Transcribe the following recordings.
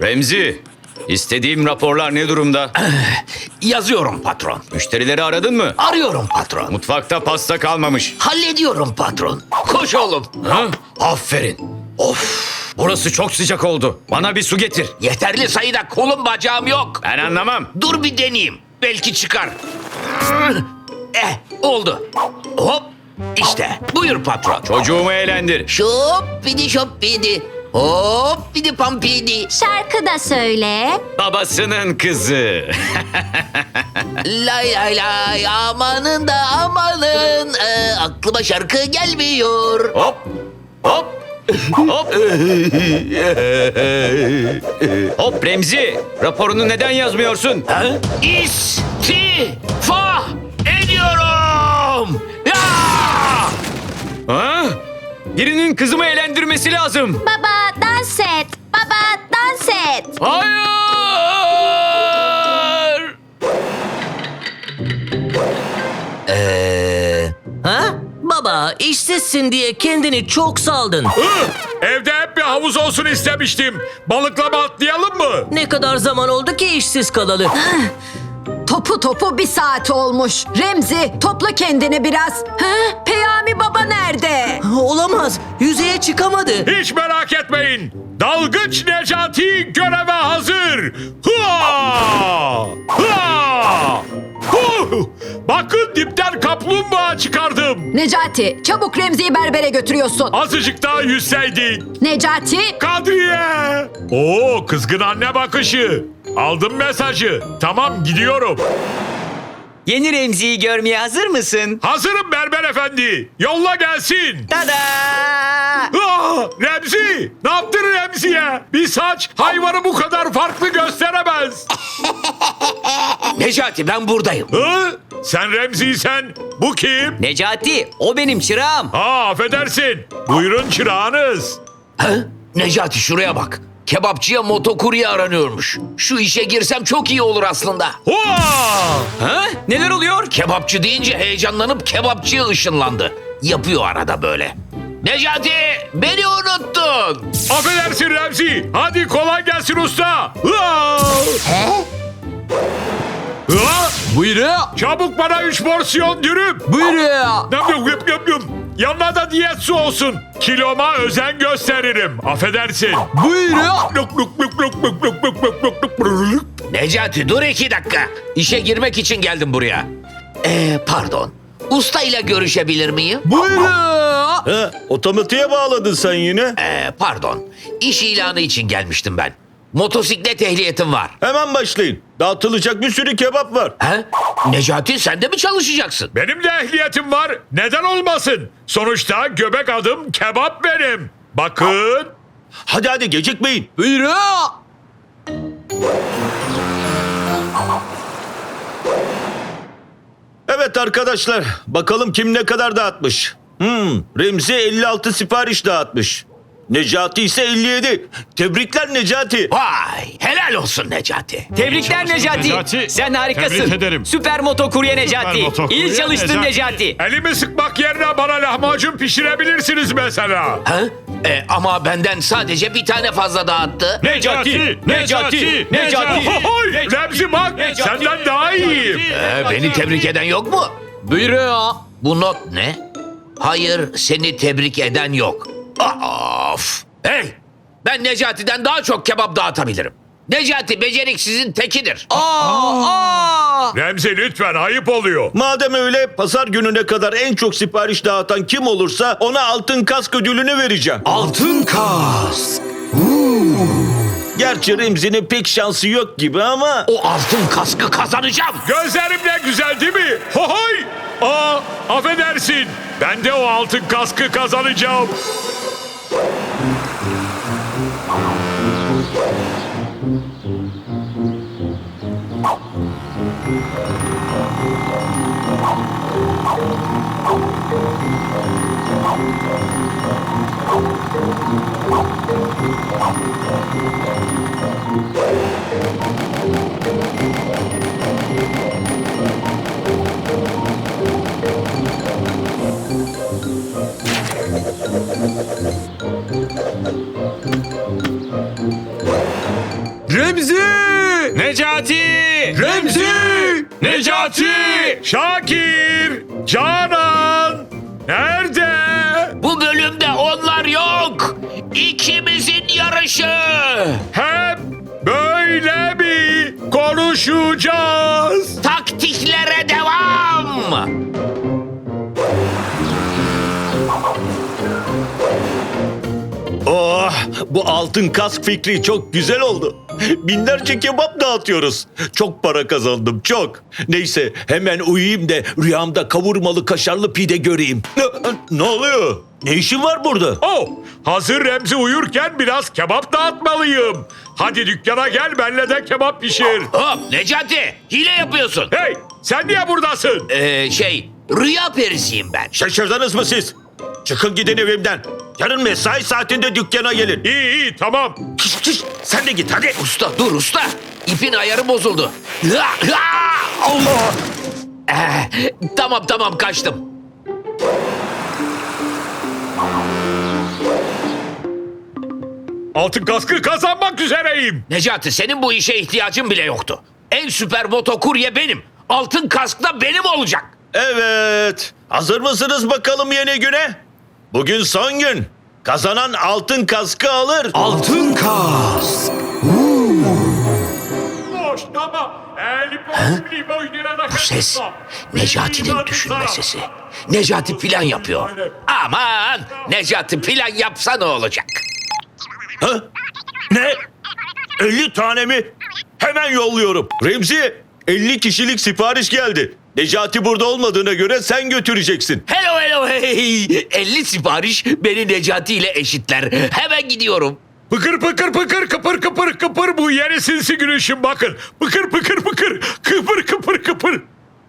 Remzi, istediğim raporlar ne durumda? Yazıyorum patron. Müşterileri aradın mı? Arıyorum patron. Mutfakta pasta kalmamış. Hallediyorum patron. Koş oğlum. Ha? Aferin. Of, burası çok sıcak oldu. Bana bir su getir. Yeterli sayıda kolum bacağım yok. Ben anlamam. Dur bir deneyeyim. Belki çıkar. Oldu. Hop. İşte. Buyur patron. Çocuğumu eğlendir. Şoppidi şoppidi. Hoppidi pampidi. Şarkı da söyle. Babasının kızı. Lay lay lay amanın da amanın. Aklıma şarkı gelmiyor. Hop, hop, hop. Hop Remzi, raporunu neden yazmıyorsun? İstifa ediyorum. Ya! Ha? Birinin kızımı eğlendirmesi lazım. Baba dans et. Baba dans et. Hayır! Ha? Baba, işsizsin diye kendini çok saldın. Evde hep bir havuz olsun istemiştim. Balıklama atlayalım mı? Ne kadar zaman oldu ki işsiz kalalı? Topu bir saat olmuş. Remzi topla kendini biraz. Ha? Peyami baba nerede? Olamaz, yüzeye çıkamadı. Hiç merak etmeyin. Dalgıç Necati göreve hazır. Hua! Hua! Huh! Bakın dipten kaplumbağa çıkardım. Necati çabuk Remzi'yi berbere götürüyorsun. Azıcık daha yüzseydik. Necati Kadriye! Oo, kızgın anne bakışı. Aldım mesajı. Tamam, gidiyorum. Yeni Remzi'yi görmeye hazır mısın? Hazırım berber efendi. Yolla gelsin. Tada! Remzi! Ne yaptın Remzi'ye? Bir saç hayvanı bu kadar farklı gösteremez. Necati ben buradayım. Hı? Sen Remzi'ysen bu kim? Necati, o benim çırağım. Affedersin. Buyurun çırağınız. Necati şuraya bak. Kebapçıya motokurye aranıyormuş. Şu işe girsem çok iyi olur aslında. Hua! Ha? Neler oluyor? Kebapçı deyince heyecanlanıp kebapçıya ışınlandı. Yapıyor arada böyle. Necati beni unuttun. Affedersin Remzi. Hadi kolay gelsin usta. Hua! Hua! Buyurun. Çabuk bana 3 porsiyon dürüm. Buyurun. Yum. Yanına da diyet su olsun. Kiloma özen gösteririm. Affedersin. Buyurun. Necati dur 2 dakika. İşe girmek için geldim buraya. Pardon. Usta ile görüşebilir miyim? Buyurun. Otomatiğe bağladın sen yine. Pardon. İş ilanı için gelmiştim ben. Motosiklet ehliyetim var. Hemen başlayın. Dağıtılacak bir sürü kebap var. Necati sen de mi çalışacaksın? Benim de ehliyetim var. Neden olmasın? Sonuçta göbek adım kebap benim. Bakın. Hadi gecikmeyin. Buyurun. Evet arkadaşlar, bakalım kim ne kadar dağıtmış. Remzi 56 sipariş dağıtmış. Necati ise 57. Tebrikler Necati. Vay helal olsun Necati. Tebrikler Necati. Necati. Sen harikasın. Tebrik ederim. Süper motokurye Necati. İyi çalıştın Necati. Elimi sıkmak yerine bana lahmacun pişirebilirsiniz mesela. Ama benden sadece bir tane fazla dağıttı. Necati. Ohohoy! Remzi bak senden daha iyiyim. Beni tebrik eden yok mu? Buyurun. Bu not ne? Hayır seni tebrik eden yok. Of! Hey! Ben Necati'den daha çok kebap dağıtabilirim. Necati beceriksizin tekidir. Remzi lütfen ayıp oluyor. Madem öyle, pazar gününe kadar en çok sipariş dağıtan kim olursa ona altın kask ödülünü vereceğim. Altın kask. Gerçi Remzi'nin pek şansı yok gibi ama... O altın kaskı kazanacağım. Gözlerimle güzel değil mi? Hohoy! Affedersin. Ben de o altın kaskı kazanacağım. Necati! Remzi! Necati! Şakir! Canan! Nerede? Bu bölümde onlar yok. İkimizin yarışı. Hep böyle mi konuşacağız? Taktiklere devam. Oh, bu altın kask fikri çok güzel oldu. Binlerce kebap dağıtıyoruz. Çok para kazandım, çok. Neyse, hemen uyuyayım da rüyamda kavurmalı kaşarlı pide göreyim. Ne oluyor? Ne işin var burada? Oh, hazır Remzi uyurken biraz kebap dağıtmalıyım. Hadi dükkana gel, benle de kebap pişir. Hop Necati, hile yapıyorsun. Hey, sen niye buradasın? Rüya perisiyim ben. Şaşırdınız mı siz? Çıkın gidin evimden. Yarın mesai saatinde dükkana gelin. İyi, tamam. Kış, kış, sen de git hadi. Usta dur usta. İpin ayarı bozuldu. Allah. Tamam kaçtım. Altın kaskı kazanmak üzereyim. Necati senin bu işe ihtiyacın bile yoktu. En süper motokurye benim. Altın kask da benim olacak. Evet. Hazır mısınız bakalım yeni güne? Bugün son gün. Kazanan altın kaskı alır. Altın kask. Boş, tamam. Bu ses Necati'nin düşünme sesi. Necati plan yapıyor. Aman Necati plan yapsa ne olacak? Ha? Ne? 50 tane mi? Hemen yolluyorum. Remzi, 50 kişilik sipariş geldi. Necati burada olmadığına göre sen götüreceksin. Hello hey. 50 sipariş beni Necati ile eşitler. Hemen gidiyorum. Pıkır pıkır pıkır kıpır kıpır kıpır bu yeni sinsi gülüşüm bakın. Pıkır pıkır pıkır kıpır kıpır kıpır.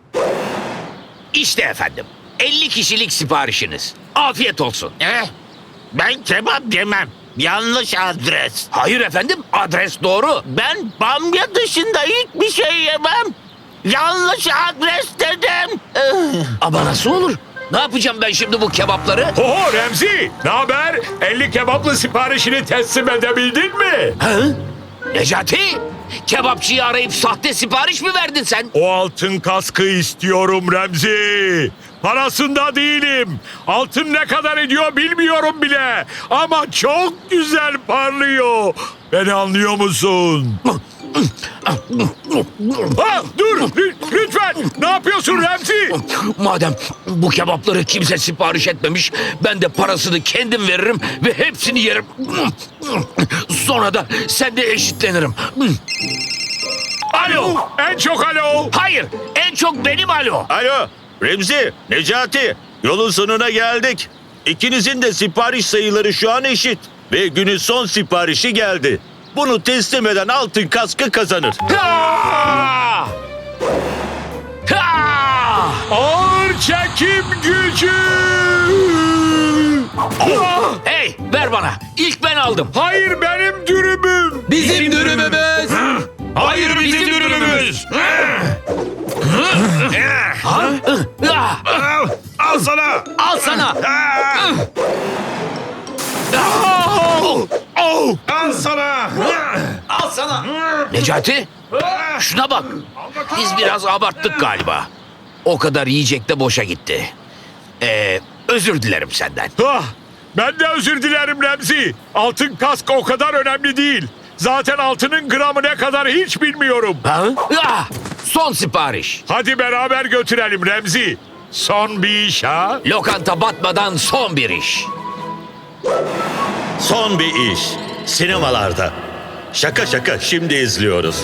İşte efendim 50 kişilik siparişiniz. Afiyet olsun. Ben kebap yemem. Yanlış adres. Hayır efendim adres doğru. Ben bamya dışında hiçbir şey yemem. Yanlış adres dedim. Ama nasıl olur? Ne yapacağım ben şimdi bu kebapları? Oho Remzi, ne haber? 50 kebaplı siparişini teslim edebildin mi? Ha? Necati, kebapçıyı arayıp sahte sipariş mi verdin sen? O altın kaskı istiyorum Remzi. Parasında değilim. Altın ne kadar ediyor bilmiyorum bile. Ama çok güzel parlıyor. Beni anlıyor musun? Ha, dur lütfen. Ne yapıyorsun Remzi? Madem bu kebapları kimse sipariş etmemiş, ben de parasını kendim veririm ve hepsini yerim. Sonra da sen de eşitlenirim. Alo. En çok alo. Hayır, en çok benim alo. Alo, Remzi, Necati, yolun sonuna geldik. İkinizin de sipariş sayıları şu an eşit. Ve günün son siparişi geldi. Bunu teslim eden altın kaskı kazanır. Ha! Ha! Ağır çekim gücü. Hey, ver bana. İlk ben aldım. Hayır benim dürümüm. Bizim dürümümüz. Hayır bizim dürümümüz. Ah! Al sana. Al sana. Al sana. Al sana. Necati, şuna bak. Biz biraz abarttık galiba. O kadar yiyecek de boşa gitti. Özür dilerim senden. Ah, ben de özür dilerim Remzi. Altın kask o kadar önemli değil. Zaten altının gramı ne kadar hiç bilmiyorum. Ha? Ah! Son sipariş. Hadi beraber götürelim Remzi. Son bir iş ha. Lokanta batmadan son bir iş. Son bir iş. Sinemalarda. Şaka şaka şimdi izliyoruz.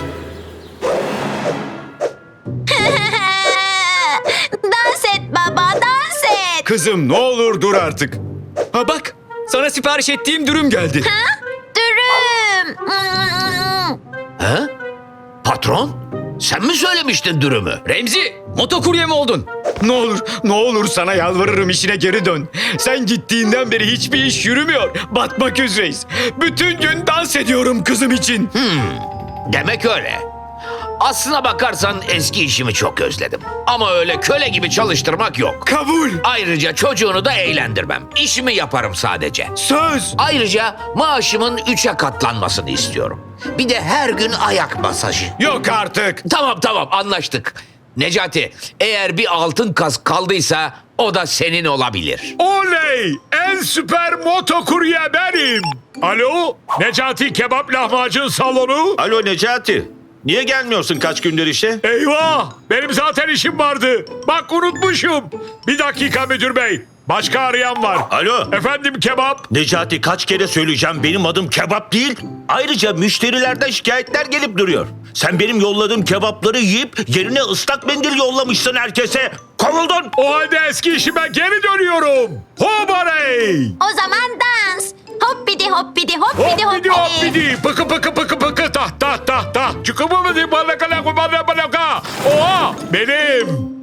Dans et baba, dans et. Kızım ne olur dur artık. Ha bak sana sipariş ettiğim dürüm geldi. Dürüm. Ha? Patron, sen mi söylemiştin dürümü? Remzi motokurye mi oldun? Ne olur sana yalvarırım işine geri dön. Sen gittiğinden beri hiçbir iş yürümüyor. Batmak üzereyiz. Bütün gün dans ediyorum kızım için. Demek öyle. Aslına bakarsan eski işimi çok özledim. Ama öyle köle gibi çalıştırmak yok. Kabul. Ayrıca çocuğunu da eğlendirmem. İşimi yaparım sadece. Söz. Ayrıca maaşımın 3'e katlanmasını istiyorum. Bir de her gün ayak masajı. Yok artık. Tamam anlaştık. Necati, eğer bir altın kask kaldıysa o da senin olabilir. Oley! En süper motokurye benim. Alo? Necati Kebap Lahmacun Salonu? Alo Necati. Niye gelmiyorsun kaç gündür işe? Eyvah! Benim zaten işim vardı. Bak unutmuşum. Bir dakika müdür bey. Başka arayan var. Alo. Efendim kebap? Necati kaç kere söyleyeceğim benim adım kebap değil. Ayrıca müşterilerden şikayetler gelip duruyor. Sen benim yolladığım kebapları yiyip yerine ıslak mendil yollamışsın herkese. Kovuldun. O halde eski işime geri dönüyorum. Hobarey! O zaman dans. Hoppidi hoppidi hoppidi Hoppidi hoppidi. hoppidi. Pıkı pıkı pıkı pıkı. Tah tah tah tah. Çukumu mu di balaka laka balaka balaka. Oha! Benim.